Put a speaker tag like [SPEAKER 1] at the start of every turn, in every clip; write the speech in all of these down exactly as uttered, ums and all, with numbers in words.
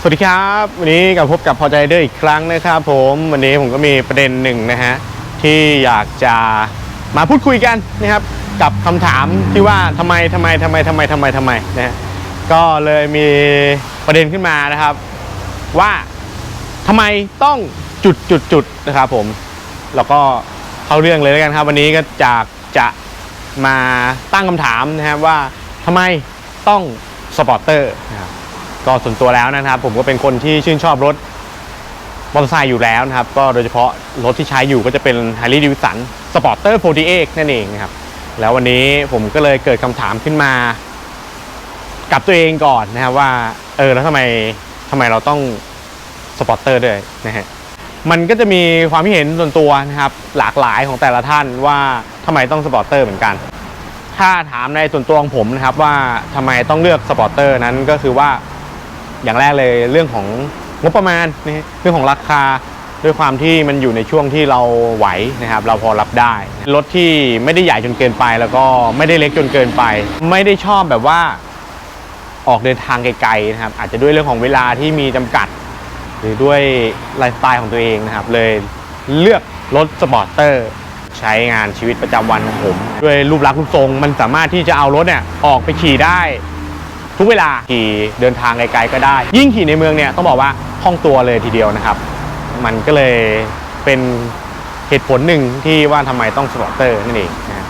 [SPEAKER 1] วัสดีครับวันนี้กลับพบกับพอใจเดอร์อีกครั้งนะครับผมวันนี้ผมก็มีประเด็นหนึ่งนะฮะที่อยากจะมาพูดคุยกันนะครับกับคำถามที่ว่าทำไมทำไมทำไมทำไมทำไมทำไมนะฮะก็เลยมีประเด็นขึ้นมานะครับว่าทำไมต้องจุดจุดจุดนะครับผมแล้วก็เข้าเรื่องเลยแล้วกันครับวันนี้ก็จากจะมาตั้งคำถามนะครับว่าทำไมต้องสปอร์เตอร์นะครับก็ส่วนตัวแล้วนะครับผมก็เป็นคนที่ชื่นชอบรถมอเตอร์ไซค์อยู่แล้วนะครับก็โดยเฉพาะรถที่ใช้อยู่ก็จะเป็น Harley Davidson Sporter โฟร์ตี้เอ็กซ์ นั่นเองนะครับแล้ววันนี้ผมก็เลยเกิดคำถามขึ้นมากับตัวเองก่อนนะครับว่าเออแล้วทำไมทำไมเราต้องสปอร์เตอร์ด้วยนะฮะมันก็จะมีความคิดเห็นส่วนตัวนะครับหลากหลายของแต่ละท่านว่าทำไมต้องสปอร์เตอร์เหมือนกันถ้าถามในส่วนตัวของผมนะครับว่าทำไมต้องเลือกสปอร์เตอร์นั้นก็คือว่าอย่างแรกเลยเรื่องของงบประมาณนะเรื่องของราคาด้วยความที่มันอยู่ในช่วงที่เราไหวนะครับเราพอรับได้รถที่ไม่ได้ใหญ่จนเกินไปแล้วก็ไม่ได้เล็กจนเกินไปไม่ได้ชอบแบบว่าออกเดินทางไกลๆนะครับอาจจะด้วยเรื่องของเวลาที่มีจำกัดหรือด้วยไลฟ์สไตล์ของตัวเองนะครับเลยเลือกรถสปอร์เตอร์ใช้งานชีวิตประจำวันของผมด้วยรูปลักษณ์รูปทรงมันสามารถที่จะเอารถเนี่ยออกไปขี่ได้ทุกเวลาขี่เดินทางไกลๆก็ได้ยิ่งขี่ในเมืองเนี่ยต้องบอกว่าคล่องตัวเลยทีเดียวนะครับมันก็เลยเป็นเหตุผลหนึ่งที่ว่าทำไมต้องสปอร์เตอร์นั่นเองนะ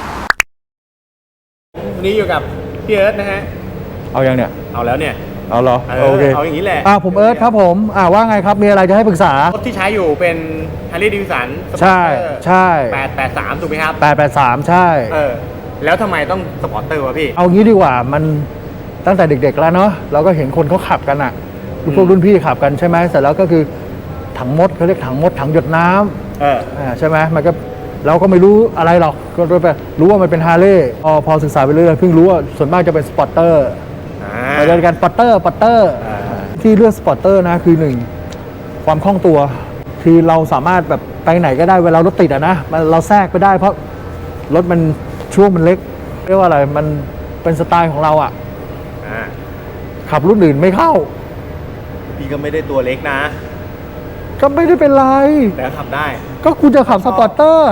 [SPEAKER 1] วันนี้อยู่กับพี่เอิร์ธนะฮะ
[SPEAKER 2] เอายังเนี่ย
[SPEAKER 1] เอาแล้วเนี่ย
[SPEAKER 2] เอาเหรอ
[SPEAKER 1] โอเคเอาอย่างนี้แหละ
[SPEAKER 2] อ่าผมเอิร์ธครับผมอ่าว่าไงครับมีอะไรจะให้ปรึกษาร
[SPEAKER 1] ถที่ใช้อยู่เป็น Harley Davidson
[SPEAKER 2] ใช่ใช่
[SPEAKER 1] แปดแปดสามถูกไหมครับ
[SPEAKER 2] แปดแปดสามใช่
[SPEAKER 1] เออแล้วทำไมต้องสปอร์เตอร์วะพี่
[SPEAKER 2] เอางี้ดีกว่ามันตั้งแต่เด็กๆแล้วเนาะเราก็เห็นคนเขาขับกันอ่ะพวกรุ่นพี่ขับกันใช่ไหมเสร็จแล้วก็คือถังมดเขาเรียกถังมดถังหยดน้ำเออใช่ไหมมันก็เราก็ไม่รู้อะไรหรอกก็รู้ไปรู้ว่ามันเป็นฮาร์เลย์พอพอศึกษาไปเรื่อยๆเพิ่งรู้ว่าส่วนมากจะเป็นสปอร์เตอร์ไปเรียนกันสปอร์เตอร์สปอร์เตอร์ที่เลือกสปอร์เตอร์นะคือหนึ่งความคล่องตัวคือเราสามารถแบบไปไหนก็ได้เวลารถติดอะนะเราแทรกไปได้เพราะรถมันช่วงมันเล็กเรียกว่าอะไรมันเป็นสไตล์ของเราอะขับรุ่นอื่นไม่เข้า
[SPEAKER 1] พี่ก็ไม่ได้ตัวเล็กนะ
[SPEAKER 2] ก็ไม่ได้เป็นไร
[SPEAKER 1] แต่ขับได้
[SPEAKER 2] ก็คุณจะขับสปอร์เตอร์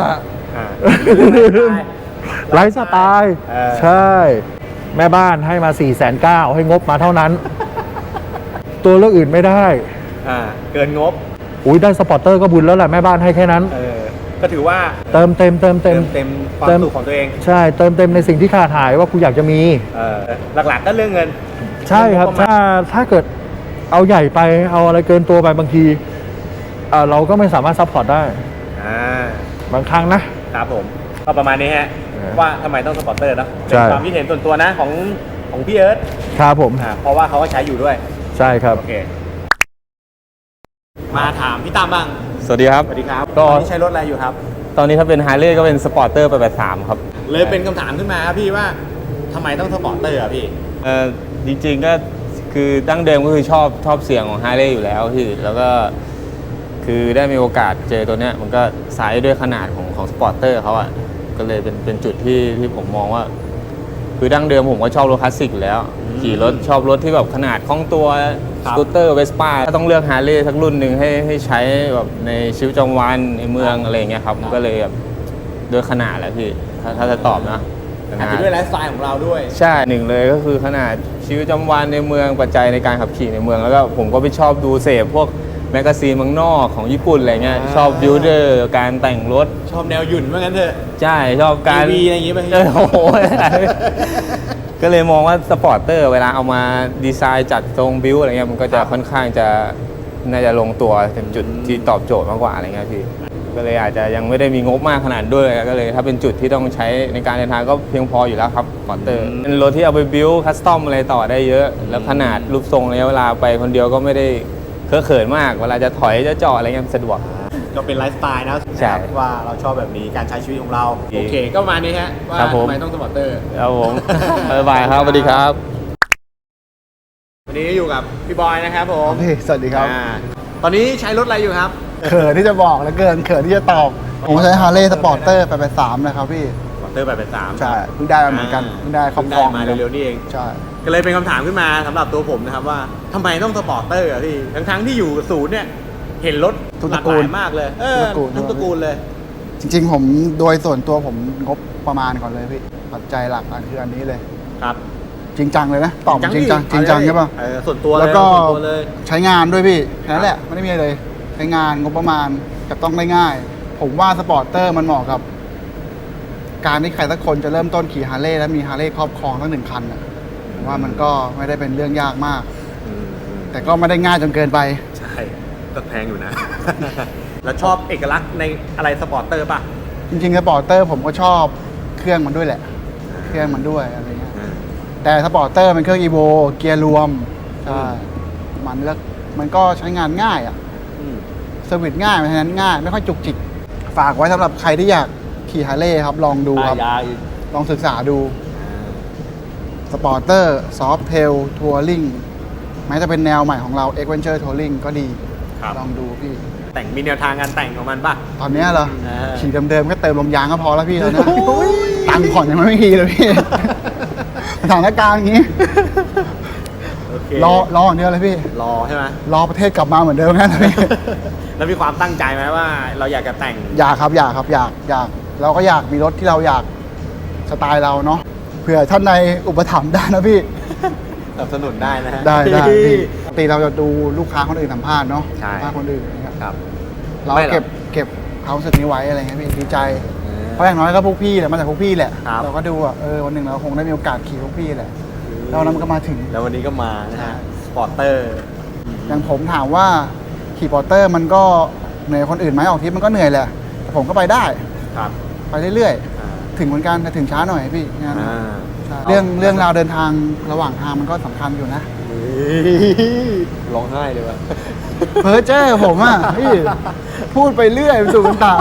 [SPEAKER 2] ไลฟ์สไตล์ใช่แม่บ้านให้มา สี่แสนเก้าหมื่น ให้งบมาเท่านั้นตัวเลือกอื่นไม่ได้
[SPEAKER 1] อ่าเกินงบ
[SPEAKER 2] อุ้ยได้สปอร์เตอร์ก็บุญแล้วแหละแม่บ้านให้แค่นั้น
[SPEAKER 1] เออก็ถือว่า
[SPEAKER 2] เติมเต็มเติมเต็ม
[SPEAKER 1] เต็มความสุขของตัวเอง
[SPEAKER 2] ใช่เติมเต็มในสิ่งที่ขาดหายว่ากูอยากจะมี
[SPEAKER 1] เออหลักๆก็เรื่องเงิน
[SPEAKER 2] ใช่ครับถ้าถ้าเกิดเอาใหญ่ไปเอาอะไรเกินตัวไปบางทีเราก็ไม่สามารถซัพพอร์ตได้บางครั้ง
[SPEAKER 1] นะครับผมก็ประมาณนี้ฮะว่าทำไมต้องสปอร์เตอร์นะเป็นความคิดเห็นส่วนตัวนะของของพี่เอิร์ธ
[SPEAKER 2] ครับผม
[SPEAKER 1] เพราะว่าเขาก็ใช้อยู่ด้วย
[SPEAKER 2] ใช่ครับ
[SPEAKER 1] โอเคมาถามพี่ตามบ้าง
[SPEAKER 3] สวัสดีครับ
[SPEAKER 1] สวัสดีครับตอนนี้ใช้รถอะไรอยู่ครับ
[SPEAKER 3] ตอนนี้ถ้าเป็นไฮเล่ก็เป็นสปอร์เตอร์แปดแปดสามครับ
[SPEAKER 1] เลยเป็นคำถามขึ้นมาครับพี่ว่าทำไมต้องสปอร์เตอร์อ่ะพี่
[SPEAKER 3] เออจริงๆก็คือดั้งเดิมก็คือชอบชอบเสียงของไฮเล่อยู่แล้วพี่แล้วก็คือได้มีโอกาสเจอตัวเนี้ยมันก็สายด้วยขนาดของของสปอร์เตอร์เขาอ่ะก็เลยเป็นเป็นจุดที่ที่ผมมองว่าคือดั้งเดิมผมก็ชอบรถคลาสสิกอยู่แล้วขี่รถชอบรถที่แบบขนาดคล่องตัวสกูตเตอร์เวสป้าถ้าต้องเลือกฮาร์เลย์สักรุ่นหนึ่งให้ให้ใช้แบบในชีวิตประจำวันในเมืองอะไรเงี้ยครับก็เลยแบบด้วยขนาดแหละพี่ถ้าถ้าจะตอบนะ
[SPEAKER 1] อาจจะด้วยไลฟ์สไตล์ของเราด้วย
[SPEAKER 3] ใช่หนึ่งเลยก็คือขนาดชีวิตประจำวันในเมืองปัจจัยในการขับขี่ในเมืองแล้วก็ผมก็ไปชอบดูเสพพวกแมกกาซีนเมืองนอกของญี่ปุ่นอะไรเงี้ยชอบบิวเดอร์การแต่งรถ
[SPEAKER 1] ชอบแนวหยุ่นว่างั้นเถอะ
[SPEAKER 3] ใช่ชอบการ
[SPEAKER 1] วีอะไรอย่างงี้ไป
[SPEAKER 3] โอ้โหก็เลยมองว่าสปอร์เตอร์เวลาเอามาดีไซน์จัดทรงบิวอะไรเงี้ยมันก็จะค่อนข้างจะน่าจะลงตัวเป็นจุดที่ตอบโจทย์มากกว่าอะไรเงี้ยพี่ก็เลยอาจจะยังไม่ได้มีงบมากขนาดด้วยก็เลยถ้าเป็นจุดที่ต้องใช้ในการเดินทางก็เพียงพออยู่แล้วครับสปอร์เตอร์เป็นรถที่เอาไปบิวคัสตอมอะไรต่อได้เยอะแล้วขนาดรูปทรงระยะเวลาไปคนเดียวก็ไม่ได้เคอะเขินมากเวลาจะถอยจะจอดอะไรเงี้ยสะดวก
[SPEAKER 1] ก็เป็นไลฟ์สไตล์นะว่าเราชอบแบบนี้การใช้ชีวิตของเราโอเคก็มานี้ฮะว่าทำไมต้องสปอร์เตอร์
[SPEAKER 3] ครับผมบ๊ายบายครับสวัสดีครับ
[SPEAKER 1] วันนี้อยู่กับพี่บอยนะครับผม
[SPEAKER 4] สวัสดีครับ
[SPEAKER 1] ตอนนี้ใช้รถอะไรอยู่ครับ
[SPEAKER 4] เขินที่จะบอกแล้วเกินเขินที่จะตอบผมใช้ Harley Sporter แปดแปดสามนะครับพี่
[SPEAKER 1] Sporter แปดแปดสาม
[SPEAKER 4] ใช่เพิ่งได้มาเหมือนกันเพิ่งได้ครอบครอง
[SPEAKER 1] มาเร็วๆนี่เอง
[SPEAKER 4] ใช่
[SPEAKER 1] ก็เลยเป็นคำถามขึ้นมาสำหรับตัวผมนะครับว่าทำไมต้องสปอร์ตเตอร์อะพี่ทั้งๆที่อยู่ศูนย์เนี่ยเห็นรถ
[SPEAKER 4] ทุก
[SPEAKER 1] ห
[SPEAKER 4] ต
[SPEAKER 1] ลา
[SPEAKER 4] ระ
[SPEAKER 1] ก
[SPEAKER 4] กู
[SPEAKER 1] ห
[SPEAKER 4] ล
[SPEAKER 1] ลายมากเลยเออ
[SPEAKER 4] ทุกตระกูล
[SPEAKER 1] ทั้งตระกูลเลย
[SPEAKER 4] จริงๆ ผมโดยส่วนตัวผมงบประมาณก่อนเลยพี่ปัจจัยหลักอันคืออันนี้เลย
[SPEAKER 1] ครับ
[SPEAKER 4] จริงจังเลยนะตอบจริงจังจริงจังใช่ป่ะ
[SPEAKER 1] เออส่วนตัวเลย
[SPEAKER 4] แล้วก็
[SPEAKER 1] ส่วนตัวเลย
[SPEAKER 4] ใช้งานด้วยพี่แค่นั้นแหละไม่ได้มีอะไรเลยใช้งานงบประมาณกับต้องได้ง่าย ผมว่าสปอร์ตเตอร์มันเหมาะกับ การที่ใครสักคนจะเริ่มต้นขี่ฮาร์เลย์แล้วมีฮาร์เลย์ครอบครองทั้งหนึ่งคันน่ะผมว่ามันก็ไม่ได้เป็นเรื่องยากมาก
[SPEAKER 1] อืมอืม
[SPEAKER 4] แต่ก็ไม่ได้ง่ายจนเกินไป
[SPEAKER 1] ใช่ก็แพงอยู่นะ แล้วชอบเอกลักษณ์ในอะไรสปอร์ตเตอร์ป่ะ
[SPEAKER 4] จริงๆสปอร์ตเตอร์ผมก็ชอบเครื่องมันด้วยแหละ เครื่องมันด้วยอะไรเงี้ย แต่สปอร์ตเตอร์เป็นเครื่องอีโวเกียร์รวมใช่มันแล้วมันก็ใช้งานง่ายอ่ะ
[SPEAKER 1] อืม
[SPEAKER 4] เซอร์วิสง่ายเพราะฉะนั้นง่าย ไม่ค่อยจุกจิก ฝากไว้สำหรับใครที่อยากขี่ฮาร์เลย์ครับ ลองดูครับ
[SPEAKER 1] ยาอีก
[SPEAKER 4] ลองศึกษาดูสปอร์เตอร์ซอฟเทลทัวริงแม้จะเป็นแนวใหม่ของเรา เอ็กเวนเจอร์ทัวริงก็ดี
[SPEAKER 1] ครับ
[SPEAKER 4] ลองดูพี่
[SPEAKER 1] แต่งมีแนวทางการแต่งของมันป่ะ
[SPEAKER 4] ตอนเนี้ยเหรอ
[SPEAKER 1] อ่า
[SPEAKER 4] ขี่เดิมๆก็เติมลมยางก็พอแล้วพี่แล้วนะตังค์ผ่อนยังไม่ขี่เลยพี่ สถานการณ์อย่างนี้
[SPEAKER 1] โอเค
[SPEAKER 4] รอรออย่างเดียวเลยพี่
[SPEAKER 1] รอใช่ไหม
[SPEAKER 4] รอประเทศกลับมาเหมือนเดิมแค่นั้นพี่
[SPEAKER 1] แล้วมีความตั้งใจไหมว่าเราอยากจะแต่ง
[SPEAKER 4] อยากครับอยากครับอยากอยากเราก็อยากมีรถที่เราอยากสไตล์เราเนาะเผื่อท่านในอุปถัมภ์ได้นะพี่
[SPEAKER 1] สนับสนุนได้นะฮะ
[SPEAKER 4] ได้ได้พี่ปกติเราจะดูลูกค้าคนอื่นสัมภาษณ์เนาะ
[SPEAKER 1] ใช่
[SPEAKER 4] สัมภาษณ์คนอื่นนะครับ
[SPEAKER 1] ครับ
[SPEAKER 4] เรา
[SPEAKER 1] ไม่หรอก
[SPEAKER 4] เก็บเก็บความรู้สึกนี้ไว้อะไรเงี้ยพี่ดีใจ
[SPEAKER 1] เออ
[SPEAKER 4] เพราะอย่างน้อยก็พวกพี่แหละมาจากพวกพี่แหละ
[SPEAKER 1] ครับ
[SPEAKER 4] เราก็ดูอ่ะเออวันหนึ่งเราคงได้มีโอกาสขี่พวกพี่แหละแล้ววันนั้นมันก็มาถึง
[SPEAKER 1] แล้ววันนี้ก็มานะฮะสปอร์ตเตอร์
[SPEAKER 4] อย่างผมถามว่าขี่ปอร์เตอร์มันก็เหนื่อยคนอื่นไหมออกทริปมันก็เหนื่อยแหละแต่ผมก็ไปได้
[SPEAKER 1] ครับ
[SPEAKER 4] ไปเรื่อย
[SPEAKER 1] อ่า
[SPEAKER 4] ๆถึงเหมือนกันแต่ถึงช้าหน่อยพี่งาน
[SPEAKER 1] อ่า
[SPEAKER 4] ใช่เรื่องเรื่องราวเดินทางระหว่างทางมันก็สำคัญอยู่นะ
[SPEAKER 1] ร้องไห้เลยว่ะ
[SPEAKER 4] เพ้อเจ้อผมอ่ะพี่พูดไปเรื่อยสู่กันตา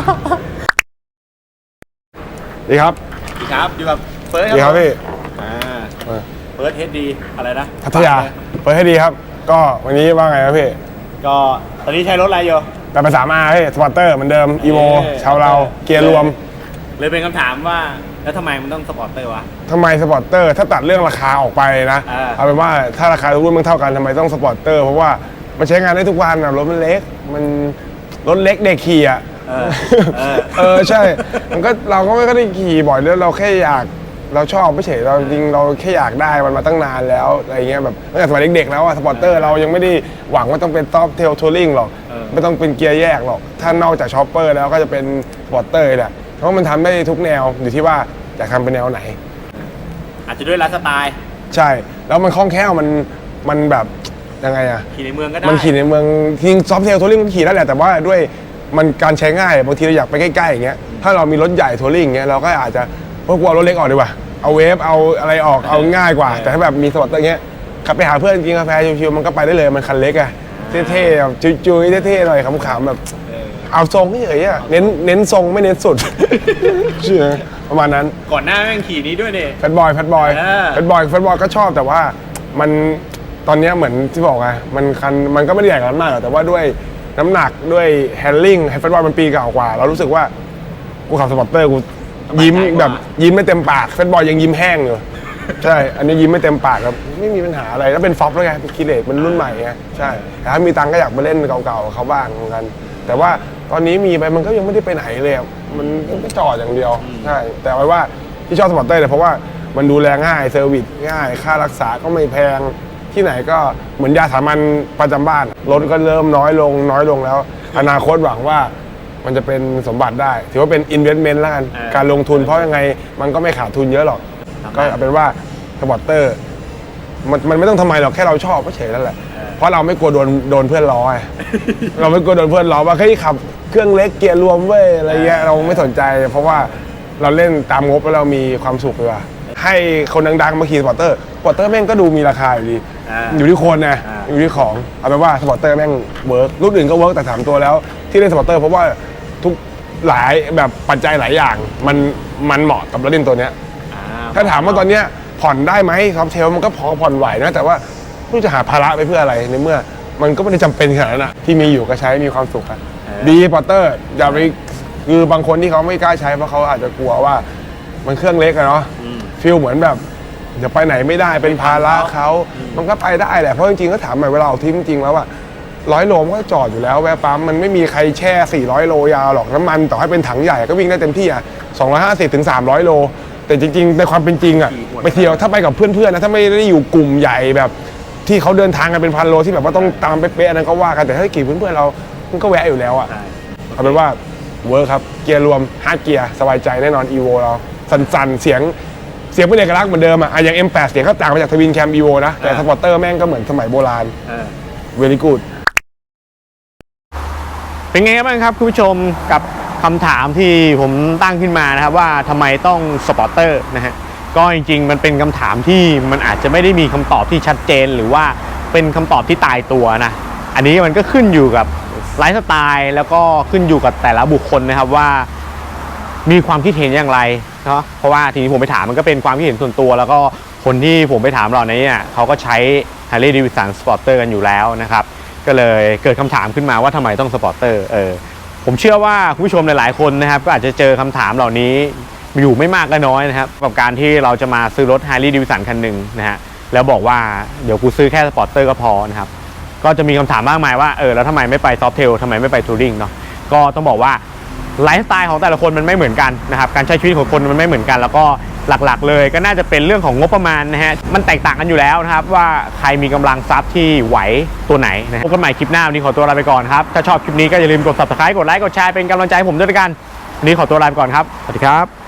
[SPEAKER 5] ดีครับ
[SPEAKER 1] ดีครับอยู่กับเฟิร์ส
[SPEAKER 5] ดีครับพี่
[SPEAKER 1] อ่า
[SPEAKER 5] เออ
[SPEAKER 1] เฟิร์สเฮดดีอะไรนะ
[SPEAKER 5] พัทยาเปิดให้ดีครับ ก็วันนี้ว่าไงครับพี่
[SPEAKER 1] ก็ตอนนี้ใช้รถอะไรอยู่
[SPEAKER 5] แต่ภาษามาพี่สปอร์เตอร์เหมือนเดิมอีโว
[SPEAKER 1] เอ้ย
[SPEAKER 5] ชาวเราเกียร์รวม
[SPEAKER 1] เลยเป็นคำถามว่าแล้วทำไมมันต้องสปอร์ตเตอร์วะ
[SPEAKER 5] ทำไมสปอร์เตอร์ถ้าตัดเรื่องราคาออกไปนะ
[SPEAKER 1] อ่า
[SPEAKER 5] เอาเป็นว่าถ้าราคาทุกรุ่นมันเท่ากันทำไมต้องสปอร์เตอร์เพราะว่ามันใช้งานได้ทุกวันอะรถมันเล็กมันรถเล็กเด็กขี่อะ
[SPEAKER 1] เออเออ
[SPEAKER 5] เออใช่ มันก็เราก็ไม่ได้ขี่บ่อยแล้วเราแค่อยากเราชอบไม่เฉยเราจริงเราแค่อยากได้มันมาตั้งนานแล้วอะไรเงี้ยแบบตั้งแต่สมัยเด็กๆแล้วอะสปอร์เตอร์เรายังไม่ได้หวังว่าต้องเป็นท็อปเทลทัวริงหรอก
[SPEAKER 1] เออ
[SPEAKER 5] ไม่ต้องเป็นเกียร์แยกหรอกถ้านอกจากชอปเปอร์แล้วก็จะเป็นสปอร์เตอร์แหละเพราะมันทำได้ทุกแนวอยู่ที่ว่าอยากทำเป็นแนวไหน
[SPEAKER 1] อาจจะด้วยไลฟ์สไตล์
[SPEAKER 5] ใช่ แล้วมันคล่องแคล่วมันมันแบบยังไงอะ
[SPEAKER 1] ขี่ในเมืองก็ได้
[SPEAKER 5] มันขี่ในเมืองจริงซอฟเทลทัวริงมันขี่ได้แหละแต่ว่าด้วยมันการใช้ง่ายบางทีเราอยากไปใกล้ๆอย่างเงี้ยถ้าเรามีรถใหญ่ทัวริงอย่างเงี้ยเราก็อาจจะพวกกลัวรถเล็กออกดีกว่าเอาเวฟเอาอะไรออกเอาง่ายกว่า แต่ถ้าแบบมีสปอร์ตเตอร์เงี้ยขับไปหาเพื่อนกินกาแฟชิวๆมันก็ไปได้เลยมันคันเล็กอะเท่ๆแบบจุยๆเท่ๆหน่อยขำๆแบบเอาทรงเฉยๆอะเน้นเน้นทรงไม่เน้นสุด เชื่อประมาณนั้น
[SPEAKER 1] ก่อนหน้าแม่งขี่นี้ด้วยเนี่ย
[SPEAKER 5] แฟตบอยแฟตบอย
[SPEAKER 1] เออ
[SPEAKER 5] แฟตบอยแฟตบอยก็ชอบแต่ว่ามันตอนเนี้ยเหมือนที่บอกไงมันคันมันก็ไม่ได้ใหญ่กันมากหรอกแต่ว่าด้วยน้ำหนักด้วยแฮนดิ้งแฟตบอยมันปีเก่ากว่า เรารู้สึกว่ากูขับสปอร์ตเตอร์กูยิ้มแบบยิ้มไม่เต็มปากแฟตบอยยังยิ้มแห้งอยู่ใช่อันนี้ยิ้มไม่เต็มปากครับไม่มีปัญหาอะไรแล้วเป็นฟ็อปแล้วไงเป็นคิเลตมันรุ่นใหม่ไงใช่แต่ถ้ามีตังค์ก็อยากไปเล่นเก่าๆกับเขาบ้างเหมือนกัน แต่ว่าตอนนี้มีไปมันก็ยังไม่ได้ไปไหนเลยอะมันก็จอดอย่างเดียวใช่แต่ไว้ว่าที่ชอบสปอร์ตเตอร์เนี่ยเพราะว่ามันดูแลง่ายเซอร์วิสง่ายค่ารักษาก็ไม่แพงที่ไหนก็เหมือนยาสามัญประจำบ้านรถก็เริ่มน้อยลงน้อยลงแล้ว อนาคตหวังว่ามันจะเป็นสมบัติได้ ถือว่าเป็น investment แล้วกัน
[SPEAKER 1] เออ
[SPEAKER 5] การลงทุนเพราะยังไงมันก็ไม่ขาดทุนเยอะหรอก
[SPEAKER 1] ครับ
[SPEAKER 5] ก็เอาเป็นว่าสปอร์ตเตอร์มันมันไม่ต้องทำไมหรอกแค่เราชอบก็เฉยนั่นแหละเพราะเราไม่กลัวโดนโดนเพื่อนล้อไง เราไม่กลัวโดนเพื่อนล้อว่าเฮ้ยขับเครื่องเล็กเกียร์รวมเว้ยอะไรเงี้ยเราไม่สนใจ เพราะว่าเราเล่นตามงบแล้วเรามีความสุขเลยว่ะให้คนดังๆมาขี่สปอร์ตเตอร์สปอร์ตเตอร์แม่งก็ดูมีราคาอยู่ดี
[SPEAKER 1] อ่า
[SPEAKER 5] อยู่ที่คนนะ
[SPEAKER 1] อ่า
[SPEAKER 5] อยู่ที่ของเอาเป็นว่าสปอร์ตเตอร์แม่งเวิร์กรุ่นอื่นก็เวิร์กแต่ถามตัวแล้วที่เล่นสปอร์ตเตอร์เพราะว่าทุกหลายแบบปัจจัยหลายอย่างมันมันเหมาะกับรถเล่นตัวเนี้ย
[SPEAKER 1] อ่
[SPEAKER 5] ถ้าถามว่าตอนเนี้ยผ่อนได้ไหมท็อปเทลมันก็พอผ่อนไหวนะแต่ว่าไม่รู้จะหาภาระไปเพื่ออะไรในเมื่อ มันก็ไม่ได้จำเป็นขนาดนั้นนะที่มีอยู่ก็ใช้มีความสุขอะดีปอร์เตอร์อย่าไปคือบางคนที่เขาไม่กล้าใช้เพราะเขาอาจจะกลัวว่ามันเครื่องเล็กอะเนาะฟิลเหมือนแบบเดี๋ยวไปไหนไม่ได้เป็นภาระเขามันก็ไปได้แหละเพราะจริงๆก็ถามหน่อยเวลาออกทริปจริงๆแล้วอะร้อยโลมันก็จอดอยู่แล้วแวะปั๊มมันไม่มีใครแช่สี่ร้อยโลยาวหรอกน้ำมันต่อให้เป็นถังใหญ่ก็วิ่งได้เต็มที่อะสองร้อยห้าสิบถึงสามร้อยโลแต่จริงๆในความเป็นจริงอะไปเที่ยวถ้าไปกับเพื่อนๆนะถ้าไม่ได้อยู่กลุ่มใหญ่แบบที่เขาเดินทางกันเป็นพันโลที่แบบว่าต้องตามเป๊ะๆอันนั้นก็ว่ากันแต่ถ้าขี่เพื่อนๆเรามันก็แวะอยู่แล้วอะเอาเป็นว่าเวิร์คครับเกียร์รวมห้าเกียร์สบายใจแน่นอน อี โว เราสั่นๆเสียงเสียงเป็นเอกลักษณ์เหมือนเดิมอะอย่าง เอ็ม แปด เสียงก็ต่างมาจากทวินแคม อี โว นะแต่สปอร์เตอร์แม่งก็เหมือนสมัยโบราณเวลี่กูด
[SPEAKER 1] เป็นไงบ้างครับคุณผู้ชมกับคำถามที่ผมตั้งขึ้นมานะครับว่าทำไมต้องสปอร์เตอร์นะฮะก็จริงๆมันเป็นคำถามที่มันอาจจะไม่ได้มีคำตอบที่ชัดเจนหรือว่าเป็นคำตอบที่ตายตัวนะอันนี้มันก็ขึ้นอยู่กับไลฟ์สไตล์แล้วก็ขึ้นอยู่กับแต่ละบุคคลนะครับว่ามีความคิดเห็นอย่างไรเนาะเพราะว่าทีนี้ผมไปถามมันก็เป็นความคิดเห็นส่วนตัวแล้วก็คนที่ผมไปถามเหล่านี้เนี่ยเขาก็ใช้ Harley Davidson Sporter กันอยู่แล้วนะครับก็เลยเกิดคำถามขึ้นมาว่าทำไมต้องสปอร์เตอร์เออผมเชื่อว่าคุณผู้ชมหลายๆคนนะครับก็อาจจะเจอคำถามเหล่านี้อยู่ไม่มากก็น้อยนะครับกับการที่เราจะมาซื้อรถ Harley Davidson คันหนึ่งนะฮะแล้วบอกว่าเดี๋ยวกูซื้อแค่สปอร์เตอร์ก็พอนะครับก็จะมีคำถามมากมายว่าเออแล้วทำไมไม่ไปซอฟเทลทำไมไม่ไปทัวริงเนาะก็ต้องบอกว่าไลฟ์สไตล์ของแต่ละคนมันไม่เหมือนกันนะครับการใช้ชีวิตของคนมันไม่เหมือนกันแล้วก็หลักๆเลยก็น่าจะเป็นเรื่องของงบประมาณนะฮะมันแตกต่างกันอยู่แล้วนะครับว่าใครมีกำลังทรัพย์ที่ไหวตัวไหนนะพบกันใหม่คลิปหน้าวันนี้ขอตัวลาไปก่อนครับถ้าชอบคลิปนี้ก็อย่าลืมกด ซับสไครบ์ กดไลค์กดแชร์เป็นกำลังใจให้ผมด้วยกันวันนี้ขอตัวลาไปก่อนครับสวัสดีครับ